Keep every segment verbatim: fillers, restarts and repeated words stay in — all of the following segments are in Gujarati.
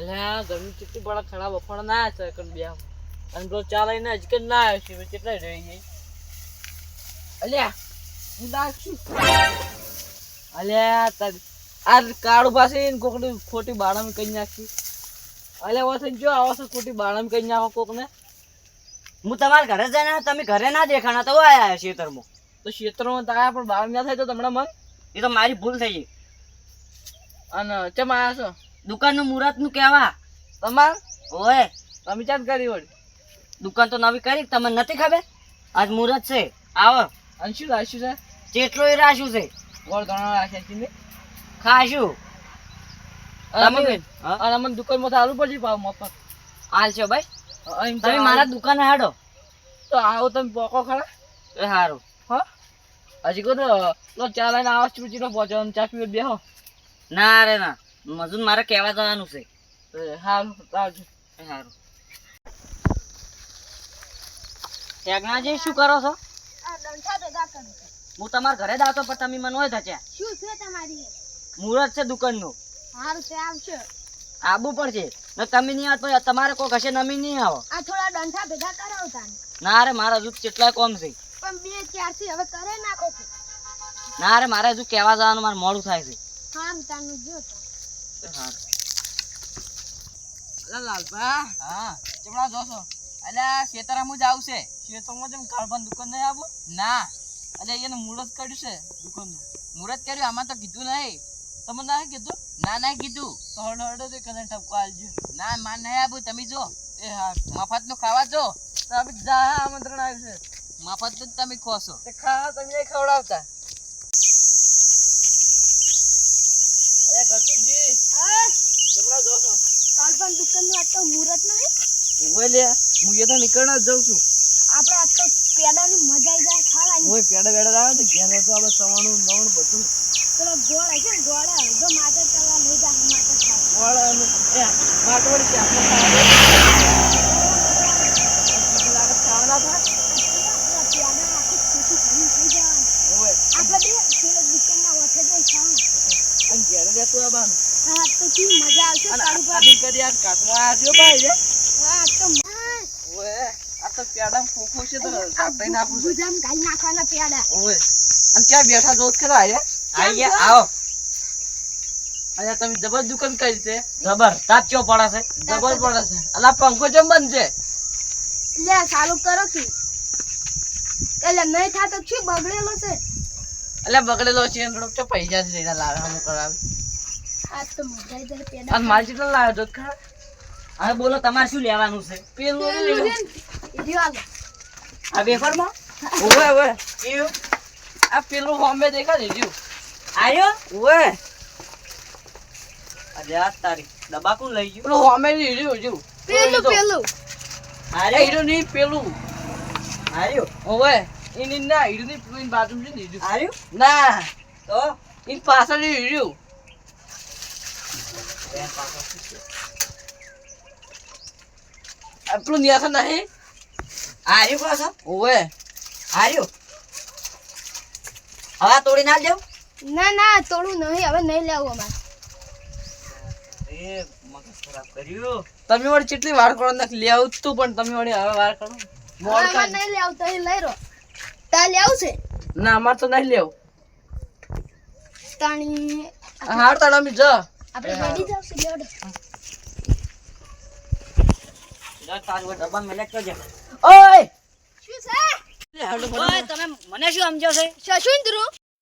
અલ્યા ગરમી કેટલી બડા ખરાબ અફણ ના છે કન બે અને તો ચાલે ને જ કે ના આવે છે કેટલા રહી ગઈ અલ્યા હું દાસ છું અલ્યા તાર આ કાળુ પાસે કોકની ખોટી બાળામાં કઈ નાખી અલ્યા વસન જો આવશે ખોટી બાળામાં કઈ નાખો કોકને હું તમારા ઘરે જઈને તમે ઘરે ના દેખાણા તો આયા ખેતરમાં તો ક્ષેત્રમાં તાયા પણ બાળ ના થાય તો તમને મન એ તો મારી ભૂલ થઈ ગઈ અને ચમ આયા છો દુકાનનું મુહૂર્ત નું કહેવા તમાર ઓય તમે ચાલ કરી વળી દુકાન તો નવી કરી તમને નથી ખબર આજ મુહૂર્ત છે આવો અને શું રાખ્યું છે જેટલો એ રાખ્યું છે ગોળ ઘણા રાખ્યા છે ને ખાશું તમે અને અમને દુકાનમાં સારું પડશે ભાવ મફત હાલ છો ભાઈ અહીં તમે મારા દુકાને હાડો તો આવો તમે પોકો ખરા એ સારું હા હજી કહો તો લો ચા લઈને આવો ચૂચીનો પહોંચો ચા પીવો બેહો ના રે ના મજૂર મારે કહેવા જવાનું છે સારું આવજો સારું ટેકનાજી શું કરો છો હું તમારા ઘરે જ આવતો પણ તમે મને હોય થયા શું છે તમારી મુહૂર્ત છે દુકાનનું હારું છે આવશે આવવું પડશે ને તમે નહીં આવો તો તમારે કોઈ કશે નમી નહીં આવો આ થોડા ડંઠા ભેગા કરાવતા ને ના રે મારા હજુ કેટલા કોમ છે પણ બે ચાર થી હવે કરે નાખો છો ના રે મારે હજુ કહેવા જવાનું મારે મોડું થાય છે હારું તાનું જો તો લાલભા હા ચમડા જોશો અલ્યા ખેતરામાં જ આવશે ખેતરમાં જેમ કાળભાન દુકાન નહીં આવું ના અલ્યા એને મુહૂર્ત કર્યું છે દુકાનનું મુહૂર્ત કર્યું આમાં તો કીધું નહીં તમે ના કીધું ના ના કીધું તો હડો હડો તો કને ઠપકો આલજો ના માન નહીં આવું તમે જો એ હા મફત નું ખાવા જો તો આપણે જા આમંત્રણ આવ્યું છે મફત નું તમે ખો છો તે ખા તમે નહીં ખવડાવતા અરે ગટુજી હા ચમડા જોશો કાલ પણ દુકાન નું આ તો મુહૂર્ત નહીં ઓય લે હું એ તો નીકળના જ જાઉં છું આપણે આ તો પેડાની મજા આવી જાય ખાવાની ઓય પેડા પેડા આવે તો ઘેર તો આપણે સવાણું નવણું બધું પેલો ગોળ છે ને ગોળ જો માથે ચડવા લઈ જા માથે ખાવા વાળાનું એ માટવડી છે આપણે ખાવા લાગત ખાવાના થાય આપણા પેડા આખી ખોટી ઘણી થઈ જવાની ઓય આપણે બે પેલો દુકાનમાં વખે જઈ ખાવા અને ઘેર લેતું આવવાનું હા તો કેવી મજા આવશે અને તારું પર આદિ કરી યાર કાટમાં આવ્યો ભાઈ રે હા તો ઓય આ તો પેડા ખોખો છે તો કાટાઈ નાખું છે ગુજામ ગાલી નાખવાના પેડા ઓય અને ક્યાં બેઠા જોત ખરા આયા આઈ ગયા આવો અલ્યા તમે જબર દુકાન કરી છે જબર તાપ ચો પડે છે જબર પડે છે અલા પંખો ચમ બંધ છે લે ચાલુ કરો કે એટલે નહીં થાતો શું બગડેલો છે અલ્યા બગડેલો છે એનો તો પૈસા છે એના લાવે હમ કરાવે આ તો મજા આવી જાય પેડા અને મારી કેટલા લાવ્યો જોત ખરા હવે બોલો તમારે શું લેવાનું છે પેલું પેલું ને છે ને, ઈ રહ્યો આગળ. આ વેફરમાં ઓય ઓય એવું આ પેલું હોમે દેખા દીધું આયો ઓય અરે આ તારી ડબ્બા કોણ લઈ ગયું પેલું હોમે દીધું જો પેલું પેલું આર્યો હીરો ની પેલું આર્યો ઓય એની ના હીરો ની પેલું બાજુ છે દીધું આર્યો ના તો ઈ પાછળ હીરો આ પેલું ન્યાસા નહીં આર્યો પાછો ઓય આર્યો હવે તોડી ના દેવ ના ના તોડું નહીં હવે નહીં લેવું અમારે એ મગજ ખરાબ કર્યું તમે વળી કેટલી વાર કરો નાખ લે આવું તું પણ તમે વળી હવે વાર કરો મોડ હવે થાય નહીં લેવું તો લઈ રહો તા લેવું છે ના અમાર તો નહીં લેવું તાણી હાર તાણ અમે જ આપણે રેડી જાવ છે લેવડે જા તારું ડબ્બા મેલે કરજે ઓય શું છે ઓય તમે મને શું સમજો છે શશુન્દ્રુ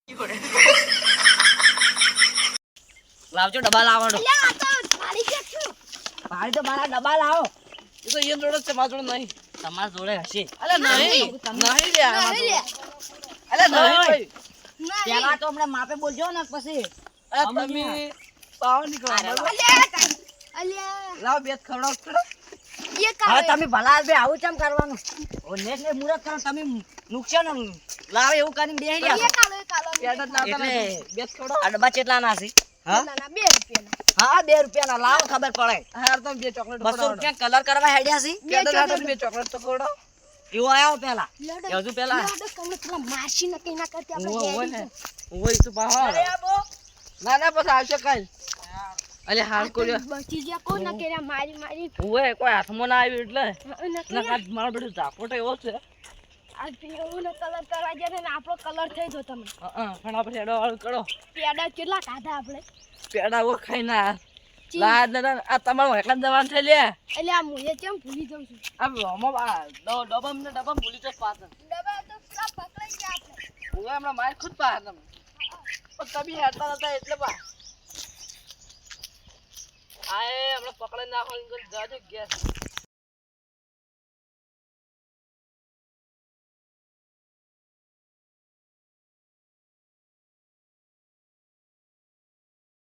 લાવજો ડબ્બા લાવવાનો લે આ તો થાળી કે છું ભાઈ તો મારા ડબ્બા લાવો એ તો એ જોડે છે મારા જોડે નહીં તમારા જોડે હશે અલે નહીં નહીં લે આમાં નહીં લે તો. અલે નહીં ભાઈ ના પેલા તો હમણાં માપે બોલજો ને પછી અરે તમે પાવ નીકળો બરાબર? અલ્યા અલ્યા લાવ બે ખવડાવ ખરા એ હવે કાવે તમે ભલા બે આવું કેમ કરવાનું ઓ નેટ ને મુરત કરો તમે નુકસાન લાવે એવું કરીને બેહી એ ગયા કાલો એ કાલો પેડા જ લાવતા એટલે નથી. બે ખવડાવ આ ડબ્બા કેટલા ના છે હા ના ના બે રૂપિયાના હા બે રૂપિયા ના લાવો ખબર પડે હાર તો બે ચોકલેટ બસો રૂપિયા કલર કરવા હેડ્યા છે પેડા લાવતા બે ચોકલેટ તો ખવડાવ એવો આવ્યો પેલા લેવડે એ હજુ પેલા લેવડે કમને પેલા માસી ન કઈ ના કરતી ઓય આપણે ઓય ને ઓય તો પાહો અરે આ બો ના ના પછી આવશે કાલ અલે હાલ કર્યો બચી ગયા કોણ ના કર્યા મારી મારી ઓય કોઈ હાથમાં ના આવ્યું એટલે ન ના કર્યા. કાંઈ મારો બેટો ઝાપોટો એવો છે આ પીળો ને કલર કરવા જાય ને આપણો કલર થઈ ગયો તમે હા પણ આપણે હેડો વાળું કરો પેડા કેટલા ખાધા આપણે પેડા ઓ ખાઈ ના ચી. લા દાદા આ તમારું એકલા જવાન થઈ લે એટલે આ મુએ કેમ ભૂલી જાઉં છું આ રોમો આ ડો- ડબમ ને ડબમ ભૂલી તો પાછળ ડબ્બા તો પેલા પકડાઈ ગયા આપણે ઓય હમણાં માર ખુદ પાછળ તમે પણ તમે હેડતા હતા એટલે પા આ એ હમણાં પકડાઈ નાખો જાજો ગેસ